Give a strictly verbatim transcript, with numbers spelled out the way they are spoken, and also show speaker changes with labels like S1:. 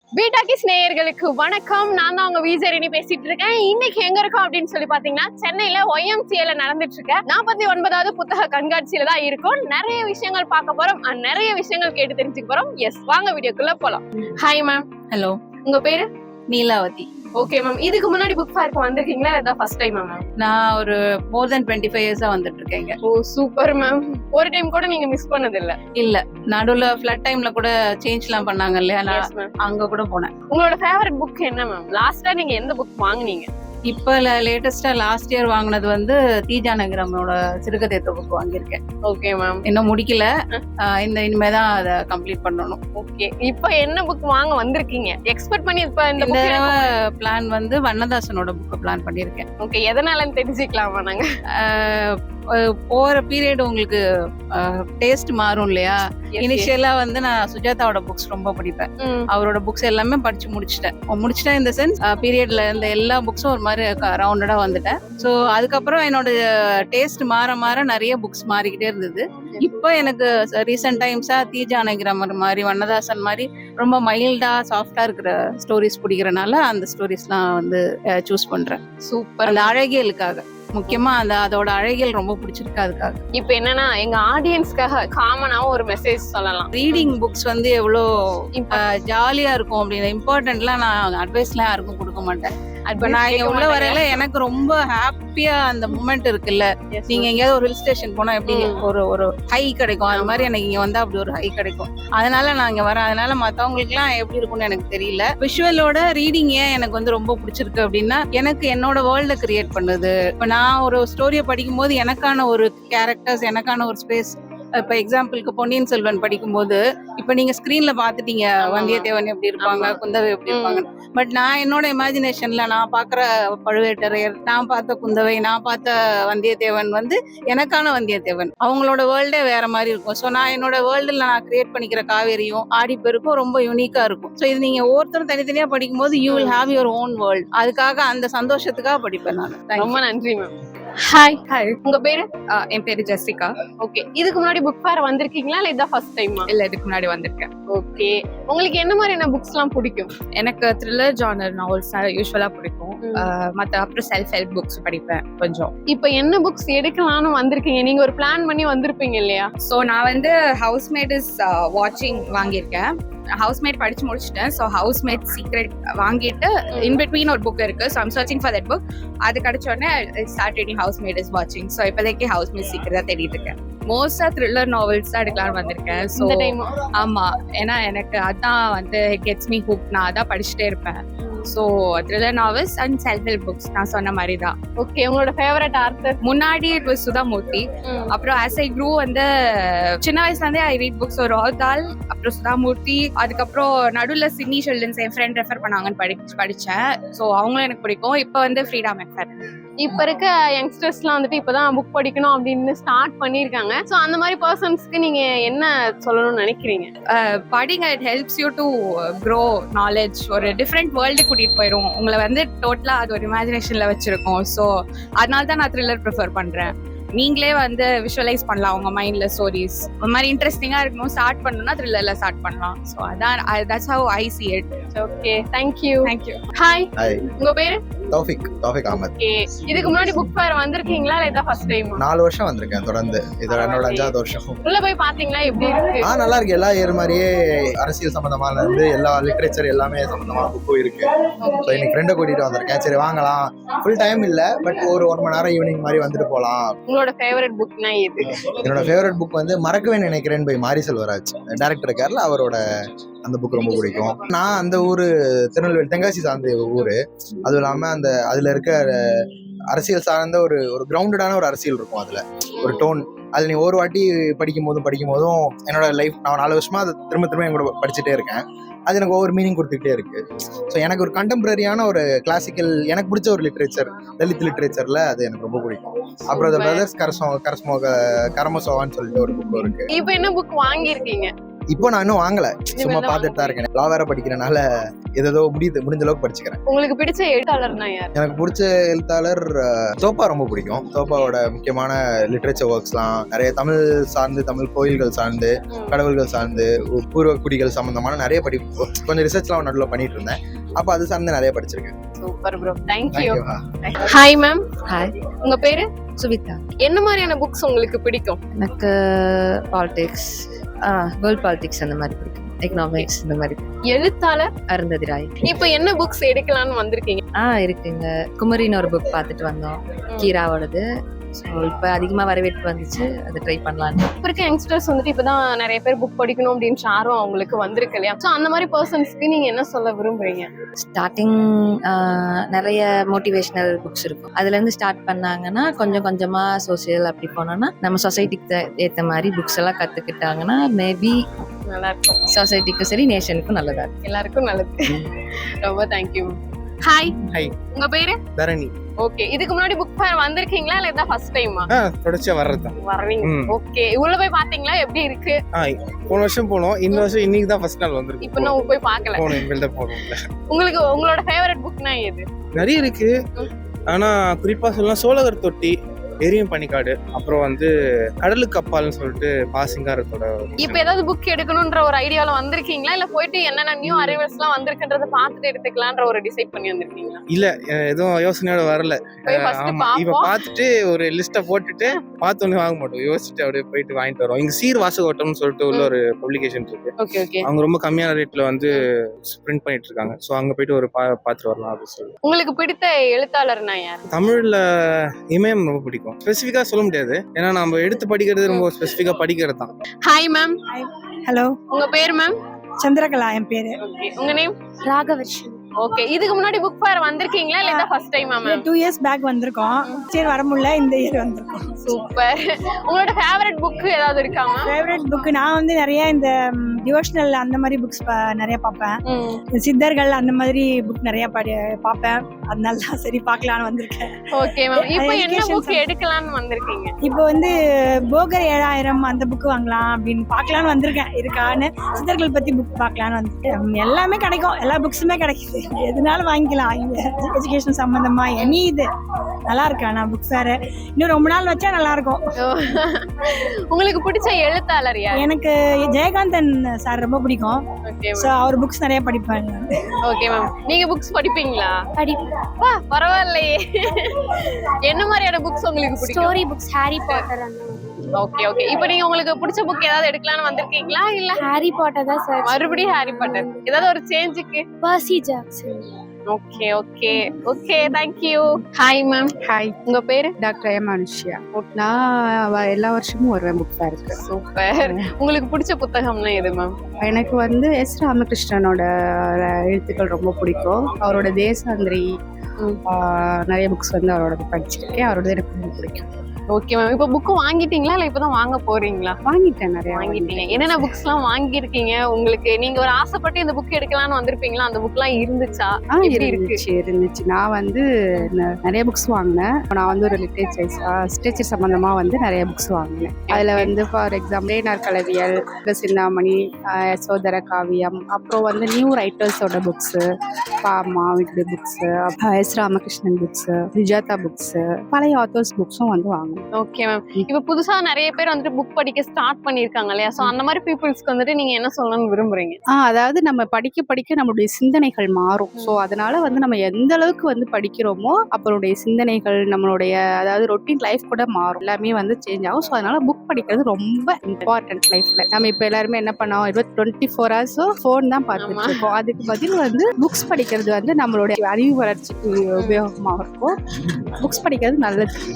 S1: வீட்டாக்கிஸ் நேயர்களுக்கு வணக்கம். நான் தான் உங்க விஜயரணி பேசிட்டு இருக்கேன். இன்னைக்கு எங்க இருக்கோம் அப்படின்னு சொல்லி பாத்தீங்கன்னா, சென்னையில ஒய்எம்சிஏல நடந்துட்டு இருக்க நாற்பத்தி ஒன்பதாவது புத்தக கண்காட்சியில தான் இருக்கும். நிறைய விஷயங்கள் பார்க்க போறோம், நிறைய விஷயங்கள் கேட்டு தெரிஞ்சுக்க போறோம். எஸ், வாங்க வீடியோக்குள்ள போலாம். Hi ma'am.
S2: ஹலோ,
S1: உங்க பேரு?
S2: நீலாவதி.
S1: ஓகே மேம், இதுக்கு முன்னாடி புக் ஃபேருக்கு வந்திருக்கீங்களா? இதான் ஃபர்ஸ்ட் டைம் மேம்?
S2: நான் ஒரு மோர் தென் டுவெண்ட்டி ஃபைவ் இயர்ஸா வந்துட்டு இருக்கேங்க.
S1: Oh super ma'am. ஒரு டைம் கூட நீங்க மிஸ் பண்ணது இல்ல?
S2: இல்ல, நடுவுல ஃபிளட் டைம்ல கூட சேஞ்ச் எல்லாம் பண்ணாங்க இல்லையா, நான் அங்க கூட போனேன்.
S1: உங்களோட ஃபேவரட் புக் என்ன மேம்? லாஸ்டா நீங்க எந்த புக் வாங்குனீங்க?
S2: இப்ப லேட்டஸ்டா லாஸ்ட் இயர் வாங்கினது வந்து தீஜானகிரமோட சிறுகதை தொகுப்பு வாங்கியிருக்கேன்.
S1: Okay ma'am.
S2: இன்னும் முடிக்கல, இந்த இனிமேதான் அதை கம்ப்ளீட் பண்ணணும்.
S1: ஓகே, இப்ப என்ன புக் வாங்க வந்திருக்கீங்க? எக்ஸ்பெக்ட் பண்ணி இப்ப இந்த
S2: பிளான் வந்து வண்ணதாசனோட புக் பிளான் பண்ணிருக்கேன்.
S1: ஓகே, எதனாலன்னு தெரிஞ்சுக்கலாமா நாங்க?
S2: போற பீரியட் உங்களுக்கு டேஸ்ட் மாறும் இல்லையா. இனிஷியலா வந்து நான் சுஜாதாவோட புக்ஸ் ரொம்ப படிப்பேன். அவரோட புக்ஸ் எல்லாமே படிச்சு முடிச்சிட்டேன். முடிச்சிட்டேன் இந்த சென்ஸ் பீரியட்ல இருந்த எல்லா புக்ஸும் ஒரு மாதிரி ரவுண்டடா வந்துட்டேன். ஸோ அதுக்கப்புறம் என்னோட டேஸ்ட் மாற மாற நிறைய புக்ஸ் மாறிக்கிட்டே இருந்தது. இப்போ எனக்கு ரீசெண்ட் டைம்ஸா தீஜானகிரமர் மாதிரி, வண்ணதாசன் மாதிரி ரொம்ப மைல்டா சாஃப்டா இருக்கிற ஸ்டோரிஸ் பிடிக்கிறனால அந்த ஸ்டோரிஸ்லாம் வந்து சூஸ் பண்றேன்.
S1: சூப்பர்.
S2: அந்த அழகியலுக்காக, முக்கியமா அந்த அதோட அழகியல் ரொம்ப பிடிச்சிருக்கு. அதுக்காக
S1: இப்ப என்னன்னா, எங்க ஆடியன்ஸ்க்காக காமனாவும் ஒரு மெசேஜ் சொல்லலாம்.
S2: ரீடிங் புக்ஸ் வந்து எவ்வளோ ஜாலியா இருக்கும் அப்படின்னு இம்பார்ட்டன்ட்லாம் நான் அட்வைஸ்லாம் யாருக்கும் கொடுக்க மாட்டேன். இப்ப நான் இங்க உள்ள வரையில எனக்கு ரொம்ப ஹாப்பியா அந்த மூமெண்ட் இருக்குல்ல. நீங்க எங்கேயாவது ஒரு ஹில் ஸ்டேஷன் போனா எப்படி ஒரு ஒரு ஹை கிடைக்கும், அது மாதிரி எனக்கு இங்க வந்தா அப்படி ஒரு ஹை கிடைக்கும். அதனால நான் இங்க வரேன். அதனால மத்தவங்களுக்கு எல்லாம் எப்படி இருக்கும்னு எனக்கு தெரியல. விஷுவலோட ரீடிங் ஏன் எனக்கு வந்து ரொம்ப பிடிச்சிருக்கு அப்படின்னா, எனக்கு என்னோட வேர்ல்ட கிரியேட் பண்ணுது. இப்ப நான் ஒரு ஸ்டோரியை படிக்கும் போது எனக்கான ஒரு கேரக்டர்ஸ், எனக்கான ஒரு ஸ்பேஸ். இப்ப எக்ஸாம்பிளுக்கு பொன்னியின் செல்வன் படிக்கும் போது, இப்ப நீங்க ஸ்கிரீன்ல பாத்துட்டீங்க வந்தியத்தேவன் எப்படி இருப்பாங்க, குந்தவை எப்படி இருப்பாங்க. பட் நான் என்னோட இமேஜினேஷன்ல நான் பாக்குற பழுவேட்டரையர், நான் பார்த்த குந்தவை, நான் பார்த்த வந்தியத்தேவன் வந்து எனக்கான வந்தியத்தேவன். அவங்களோட வேர்ல்டே வேற மாதிரி இருக்கும். ஸோ நான் என்னோட வேர்ல்டுல நான் கிரியேட் பண்ணிக்கிற காவேரியும் ஆடிப்பெருக்கும் ரொம்ப யூனிக்கா இருக்கும். ஸோ இது நீங்க ஒவ்வொருத்தரும் தனித்தனியா படிக்கும் போது you will have your own world. அதுக்காக அந்த சந்தோஷத்துக்காக படிப்பேன் நான்.
S1: ரொம்ப நன்றி மேம். ஹாய். ஹாய். உங்க பேரு?
S3: என் பேரு ஜெசிகா.
S1: ஓகே, இதுக்கு முன்னாடி புக் ஃபேர் வந்திருக்கீங்களா இல்ல இதான் ஃபர்ஸ்ட் டைமா?
S3: இல்ல, இதுக்கு முன்னாடி வந்திருக்கேன்.
S1: ஓகே, உங்களுக்கு என்ன மாதிரியான புக்ஸ் எல்லாம் பிடிக்கும்?
S3: எனக்கு த்ரில்லர் ஜானர் நாவல்ஸ் யூஸ்வலா பிடிக்கும். மத்த அப்புறம் செல்ஃப் ஹெல்ப் புக்ஸ் படிப்பேன் கொஞ்சம்.
S1: இப்போ என்ன புக்ஸ் எடுக்கலாம்னு வந்திருக்கீங்க? நீங்க ஒரு பிளான் பண்ணி வந்திருப்பீங்க இல்லையா?
S3: ஸோ நான் வந்து ஹவுஸ்மேட் இஸ் வாட்சிங் வாங்கியிருக்கேன். ஹவுஸ்மேட் படிச்சு முடிச்சிட்டேன். ஸோ ஹவுஸ்மேட் சீக்ரெட் வாங்கிட்டு இன் பிட்வீன் ஒரு புக் இருக்கு. So I'm searching for that book. அது கிடைச்ச உடனே ஸ்டார்ட் ரீடிங் ஹவுஸ்மேட் இஸ் வாட்சிங். ஸோ இப்போதைக்கு ஹவுஸ்மேட் சீக்ரெட் தான் தேடிட்டு இருக்கேன். மோஸ்டா த்ரில்லர் நாவல்ஸ் தான் எடுக்கலாம்னு வந்திருக்கேன். ஸோ ஆமா, ஏன்னா எனக்கு அதான் வந்து கெட்ஸ் மீ ஹுக். நான் அதான் படிச்சுட்டே இருப்பேன். So thriller novels and self help books நான் சொன்ன மாதிரி தான்.
S1: ஓகே, உங்களோட ஃபேவரட் ஆத்தர்?
S3: முன்னாடி இட் வாஸ் சுதா மூர்த்தி. அப்புறம் ஆஸ் ஐ க்ரூ வந்து சின்ன வயசுல இருந்தே ஐ ரீட் புக்ஸ். ஒரு ராதால், அப்புறம் சுதா மூர்த்தி, அதுக்கப்புறம் நடுவில் சிட்னி ஷெல்டன்ஸ் என் ஃப்ரெண்ட் ரெஃபர் பண்ணாங்கன்னு படி படிச்சேன். ஸோ அவங்களும் எனக்கு பிடிக்கும். இப்போ வந்து ஃப்ரீடா மெக்ஃபர்.
S1: இப்ப இருக்க யங்ஸ்டர்ஸ்லாம் வந்துட்டு இப்பதான் புக் படிக்கணும் அப்படின்னு ஸ்டார்ட் பண்ணிருக்காங்க. சோ அந்த மாதிரி பர்சன்ஸ்க்கு நீங்க என்ன சொல்லணும்னு நினைக்கிறீங்க?
S3: படிங்க, it helps you to grow knowledge. ஒரு டிஃப்ரெண்ட் வேர்ல்டு கூட்டிட்டு போயிடும் உங்களை வந்து. டோட்டலா அது ஒரு இமேஜினேஷன்ல வச்சிருக்கோம். ஸோ அதனால தான் நான் த்ரில்லர் ப்ரிஃபர் பண்றேன். நீங்களே வந்து விஷுவலைஸ் பண்ணலாம் உங்க மைண்ட்ல ஸ்டோரிஸ். ஒரு மாதிரி இன்ட்ரெஸ்டிங்கா இருக்கணும் ஸ்டார்ட் பண்ணணும்னா த்ரில்லர்ல ஸ்டார்ட் பண்ணலாம். ஸோ அதான், that's how I see it.
S1: Okay, thank you.
S3: Thank you.
S1: Hi.
S4: Hi.
S1: உங்க பேரு?
S4: தௌஃபிக். தௌஃபிக் அஹமத்.
S1: ஓகே, இதுக்கு முன்னாடி புக் ஃபேர் வந்திருக்கீங்களா இல்ல இதான் ஃபர்ஸ்ட் டைமா?
S4: நாலு வருஷம் வந்திருக்கேன் தொடர்ந்து. இது என்னோட அஞ்சாவது வருஷம்.
S1: உள்ள போய் பாத்தீங்களா எப்படி இருக்கு?
S4: ஆ, நல்லா இருக்கு. எல்லா இயர் மாதிரியே அரசியல் சம்பந்தமான இருந்து எல்லா லிட்டரேச்சர் எல்லாமே சம்பந்தமான புக்கும் இருக்கு. ஸோ இன்னைக்கு ஃப்ரெண்டை கூட்டிட்டு வந்திருக்கேன். சரி வாங்கலாம். ஃபுல் டைம் இல்ல, பட் ஒரு ஒரு மணி நேரம் ஈவினிங் மாதிரி வந்துட்டு போகலாம்.
S1: உங்களோட ஃபேவரட் புக்னா எது?
S4: என்னோட ஃபேவரட் புக் வந்து மறக்கவே நினைக்கிறேன் பை மாரி செல்வராஜ். டைரக்டர் இருக்காருல, அவரோட அந்த புக் ரொம்ப பிடிக்கும். நான் அந்த ஊரு திருநெல்வேலி தென்காசி சார்ந்த ஊரு. அதுவும் இல்லாம அந்த அதுல இருக்க அரசியல் சார்ந்த ஒரு ஒரு கிரவுண்டடான ஒரு அரசியல் இருக்கும். அதுல ஒரு டோன், அது நீ ஒரு வாட்டி படிக்கும் போதும் படிக்கும் போதும் என்னோட லைஃப், நான் நாலு வருஷமா அதை திரும்ப திரும்ப என் கூட படிச்சுட்டே இருக்கேன். அது எனக்கு ஒவ்வொரு மீனிங் கொடுத்துக்கிட்டே இருக்கு. ஸோ எனக்கு ஒரு கண்டெம்பரரியான ஒரு கிளாசிக்கல், எனக்கு பிடிச்ச ஒரு லிட்ரேச்சர், தலித் லிட்ரேச்சர்ல அது எனக்கு ரொம்ப பிடிக்கும். அப்புறம் த பிரதர்ஸ் கரஸ்மோ கரஸ்மோ கரமசோவான்னு சொல்லிட்டு ஒரு புக் இருக்கு.
S1: இப்போ என்ன புக் வாங்கியிருக்கீங்க?
S4: இப்போ நான் இன்னும் வாங்கல, சும்மா
S1: இனிமேல் தான்
S4: பார்த்துட்டு தான் இருக்கேன். லா வேற படிக்கிறனால ஏதோ முடியுது முடிஞ்ச அளவுக்கு படிச்சுக்கிறேன்.
S1: உங்களுக்கு பிடிச்ச எழுத்தாளர்னா யார்?
S4: எனக்கு பிடிச்ச எழுத்தாளர் அஹ், தோப்பா ரொம்ப பிடிக்கும். தோப்பாவோட முக்கியமான லிட்ரேச்சர் ஒர்க்ஸ்லாம் நிறைய தமிழ் சார்ந்து, தமிழ் கோயில்கள் சார்ந்து,
S1: ம்.
S4: கடவுள்கள் சார்ந்து, பூர்வ குடிகள் சம்பந்தமான நிறைய படி கொஞ்சம் ரிசர்ச்லாம் நடுவில் பண்ணிட்டு இருந்தேன். அப்போ அது சார்ந்து நிறைய படிச்சிருக்கேன்.
S1: Super bro, thank you.
S4: Thank you.
S1: Hi ma'am.
S5: Hi,
S1: உங்க பேரு?
S5: சுவிதா.
S1: என்ன மாதிரியான புக்ஸ் உங்களுக்கு பிடிக்கும்?
S5: எனக்கு பாலிடிக்ஸ், ஆ வேர்ல்ட் பாலிடிக்ஸ் அந்த மாதிரி பிடிக்கும். எக்கனாமிக்ஸ் இந்த மாதிரி.
S1: எழுத்தாளர்
S5: அருந்ததி ராய்.
S1: இப்போ என்ன புக்ஸ் எடுக்கலாம்னு வந்திருக்கீங்க?
S5: ஆ இருக்குங்க. குமரின்னு ஒரு புக் பார்த்துட்டு வந்தோம், கீராவோடது. ஸோ இப்போ அதிகமாக வரவேற்பு வந்துச்சு, அதை ட்ரை பண்ணலான்னு.
S1: இப்போ இருக்க யங்ஸ்டர்ஸ் வந்துட்டு இப்பதான் நிறைய பேர் புக் படிக்கணும் அப்படின்னு ஆர்வம் அவங்களுக்கு வந்திருக்கு இல்லையா? ஸோ அந்த மாதிரி பர்சன்ஸ்க்கு நீங்க என்ன சொல்ல விரும்புறீங்க?
S5: ஸ்டார்டிங் நிறைய மோட்டிவேஷ்னல் புக்ஸ் இருக்கும், அதுலேருந்து ஸ்டார்ட் பண்ணாங்கன்னா கொஞ்சம் கொஞ்சமாக சோசியல் அப்படி போனோன்னா நம்ம சொசைட்டிக்கு ஏற்ற மாதிரி புக்ஸ் எல்லாம் கற்றுக்கிட்டாங்கன்னா மேபி
S1: நல்லா இருக்கும்,
S5: சொசைட்டிக்கும் சரி நேஷனுக்கும் நல்லதா இருக்கும்.
S1: எல்லாருக்கும் நல்லது. ரொம்ப தேங்க்யூ. ஹாய்.
S6: Hi.
S1: உங்க பேரு?
S6: தரணி.
S1: ஓகே, இதுக்கு முன்னாடி புக் ஃபேர் வந்திருக்கீங்களா இல்ல இதான் ஃபர்ஸ்ட் டைமா?
S6: ஆ தொடர்ச்சியா வர்றதுதான்.
S1: வர்றீங்க.
S6: ம்.
S1: ஓகே, உள்ள போய் பாத்தீங்களா எப்படி இருக்கு?
S6: ஆ போன வருஷம் போனோம், இந்த வருஷம் இன்னைக்கு தான் ஃபர்ஸ்ட் நாள் வந்திருக்கு.
S1: இப்போ நான் போய் பார்க்கல.
S6: போனோம், இனிமேல் தான் போகணும்ல.
S1: உங்களுக்கு உங்களோட ஃபேவரட் புக்னா எது?
S6: நிறைய இருக்கு, ஆனா குறிப்பா சொல்லலாம் சோழகர் தொட்டி, எரியும் பனிக்காடு, அப்புறம் வந்து கடலுக்கு அப்பால்னு சொல்லிட்டு பாசிங்காரத்தோட.
S1: இப்போ ஏதாவது புக் எடுக்கணும்ன்ற ஒரு ஐடியால வந்திருக்கீங்களா இல்ல போயிட்டு என்னென்ன நியூ அரைவல்ஸ் எல்லாம் வந்திருக்குன்றத பார்த்துட்டு எடுத்துக்கலாம்ன்ற ஒரு டிசைட் பண்ணி வந்திருக்கீங்களா?
S6: இல்ல அஹ் எதுவும் யோசனையோட வரல.
S1: போய் ஃபர்ஸ்ட்
S6: ஆமா, இப்ப
S1: பாப்போம்.
S6: பார்த்துட்டு ஒரு லிஸ்ட்டை போட்டுட்டு பார்த்தோன்னே வாங்க மாட்டோம், யோசிச்சுட்டு அப்படியே போயிட்டு வாங்கிட்டு வரோம். இங்க சீர் வாசகோட்டம்னு சொல்லிட்டு உள்ள ஒரு பப்ளிகேஷன் இருக்கு,
S1: ஓகே ஓகே.
S6: அவங்க ரொம்ப கம்மியான ரேட்ல வந்து பிரிண்ட் பண்ணிட்டு இருக்காங்க. ஸோ அங்க போயிட்டு ஒரு பா பார்த்துட்டு வரலாம் அப்படின்னு சொல்லி.
S1: உங்களுக்கு பிடித்த எழுத்தாளர்னா யார்?
S6: தமிழ்ல இமயம் ரொம்ப பிடிக்கும். ஸ்பெசிஃபிக்கா சொல்ல முடியாது, ஏன்னா நம்ம எடுத்து படிக்கிறது ரொம்ப ஸ்பெசிஃபிக்கா படிக்கிறது தான்.
S1: Hi ma'am.
S7: ஹலோ,
S1: உங்க பேர் மேம்?
S7: சந்திரகலா என் பேரு.
S1: ஓகே, உங்க நேம்?
S7: ராகவர்ஷன்.
S1: ஓகே, இதுக்கு முன்னாடி புக் ஃபேர் வந்திருக்கீங்களா இல்ல இதான் ஃபர்ஸ்ட் டைமா மேம்?
S7: டூ இயர்ஸ் பேக் வந்திருக்கோம், சரி வர முடியல, இந்த இயர் வந்திருக்கோம்.
S1: சூப்பர். உங்களோட ஃபேவரட் புக் ஏதாவது இருக்கா மேம்?
S7: ஃபேவரட் புக் நான் வந்து நிறைய இந்த டிவோஷனல் அந்த மாதிரி புக்ஸ் நிறைய பார்ப்பேன். இந்த சித்தர்கள் அந்த மாதிரி புக் நிறைய படி பார்ப்பேன், அதனால தான் சரி பார்க்கலான்னு வந்திருக்கேன்.
S1: ஓகே மேம், இப்போ என்ன
S7: Education
S1: புக் எடுக்கலாம்னு வந்திருக்கீங்க?
S7: இப்போ வந்து போகர் ஏழாயிரம் அந்த புக் வாங்கலாம் அப்படின்னு பார்க்கலான்னு வந்திருக்கேன். இருக்கான்னு சித்தர்கள் பத்தி புக் பார்க்கலான்னு வந்துட்டு எல்லாமே கிடைக்கும், எல்லா புக்ஸுமே கிடைக்குது, எதுனாலும் வாங்கிக்கலாம். இங்க எஜுகேஷன் சம்பந்தமா எனி இது நல்லா இருக்கா? நான் புக் ஃபேர் இன்னும் ரொம்ப நாள் வச்சா நல்லா இருக்கும்.
S1: உங்களுக்கு பிடிச்ச எழுத்தாளர் யார்?
S7: எனக்கு ஜெயகாந்தன் சார் ரொம்ப பிடிக்கும்.
S1: ஓகே
S7: ஸோ அவர் புக்ஸ் நிறைய படிப்பேன்.
S1: ஓகே மேம், நீங்க புக்ஸ் படிப்பீங்களா?
S8: படிப்பேன்.
S1: வா, பரவாயில்லையே. என்ன மாதிரியான புக்ஸ் உங்களுக்கு பிடிக்கும்?
S8: ஸ்டோரி புக்ஸ், ஹாரி பாட்டர் அந்த
S1: ஓகே ஓகே. இப்போ நீங்க உங்களுக்கு பிடிச்ச புக் ஏதாவது எடுக்கலாம்னு வந்திருக்கீங்களா இல்ல
S8: ஹாரி பாட்டர் தான் சார்.
S1: மறுபடியும் ஹாரி பாட்டர்? ஏதாவது ஒரு சேஞ்சுக்கு?
S8: Percy Jackson.
S1: Okay okay okay, thank you. Hi ma'am.
S3: Hi,
S1: உங்க பேரு?
S3: Doctor M Anushya. நான் வ- எல்லா வருஷமும் வருவேன் புக் ஃபேருக்கு.
S1: சூப்பர். உங்களுக்கு பிடிச்ச புத்தகம்னா எது மேம்?
S3: எனக்கு வந்து எஸ் ராமகிருஷ்ணனோட எழுத்துக்கள் ரொம்ப பிடிக்கும். அவரோட தேசாந்திரி ஆஹ், நிறைய புக்ஸ் வந்து அவரோட படிச்சிருக்கேன், அவரோட எனக்கு ரொம்ப பிடிக்கும்.
S1: ஓகே மேம், இப்போ புக் வாங்கிட்டீங்களா இல்ல இப்பதான் வாங்க போறீங்களா?
S3: வாங்கிட்டேன், நிறைய
S1: வாங்கிட்டீங்க. என்னென்ன புக்ஸ் எல்லாம் வாங்கிருக்கீங்க? உங்களுக்கு நீங்க ஒரு ஆசைப்பட்டு இந்த புக் எடுக்கலாம்னு வந்திருப்பீங்களா, அந்த புக் எல்லாம் இருந்துச்சா?
S3: ஆ
S1: எப்படி இருக்கு?
S3: இருந்துச்சு இருந்துச்சு நான் வந்து ந- நிறைய புக்ஸ் வாங்கினேன். நான் வந்து ஒரு லிட்ரேச்சர் லிட்ரேச்சர் சம்பந்தமா வந்து நிறைய புக்ஸ் வாங்கினேன். அதுல வந்து ஃபார் எக்ஸாம்பிள் ஏனார் கலவியல், சிந்தாமணி, ஆஹ், யசோதர காவியம், அப்புறம் வந்து நியூ ரைட்டர்ஸோட புக்ஸு, பாமா வீட்டு books, S Ramakrishnan books, Sujatha books, பழைய ஆத்தர்ஸ் புக்ஸும் வந்து வாங்கினேன்.
S1: ஓகே மேம், இப்போ புதுசா நிறைய பேர் வந்துட்டு புக் படிக்க ஸ்டார்ட் பண்ணிருக்காங்க இல்லையா? சோ அந்த மாதிரி பீப்புள்ஸ்க்கு வந்துட்டு நீங்க என்ன சொல்லணும்னு விரும்புறீங்க?
S3: ஆ அதாவது நம்ம படிக்க படிக்க நம்மளுடைய சிந்தனைகள் மாறும். ஸோ அதனால வந்து நம்ம எந்த அளவுக்கு வந்து படிக்கிறோமோ அப்பளுடைய சிந்தனைகள், நம்மளுடைய அதாவது ரொட்டீன் லைஃப் கூட மாறும், எல்லாமே வந்து சேஞ்ச் ஆகும். ஸோ அதனால புக் படிக்கிறது ரொம்ப இம்பார்ட்டன்ட் லைஃப்ல. நம்ம இப்போ எல்லாருமே என்ன பண்ணோம், இருபத்தி டுவெண்ட்டி ஃபோர் ஹவர்ஸும் ஃபோன் தான் பார்த்துட்டு இருக்கோம். அதுக்கு பதில் வந்து புக்ஸ் படிக்கிறது வந்து நம்மளுடைய அறிவு வளர்ச்சிக்கு உபயோகமாக இருக்கும். புக்ஸ் படிக்கிறது நல்லது.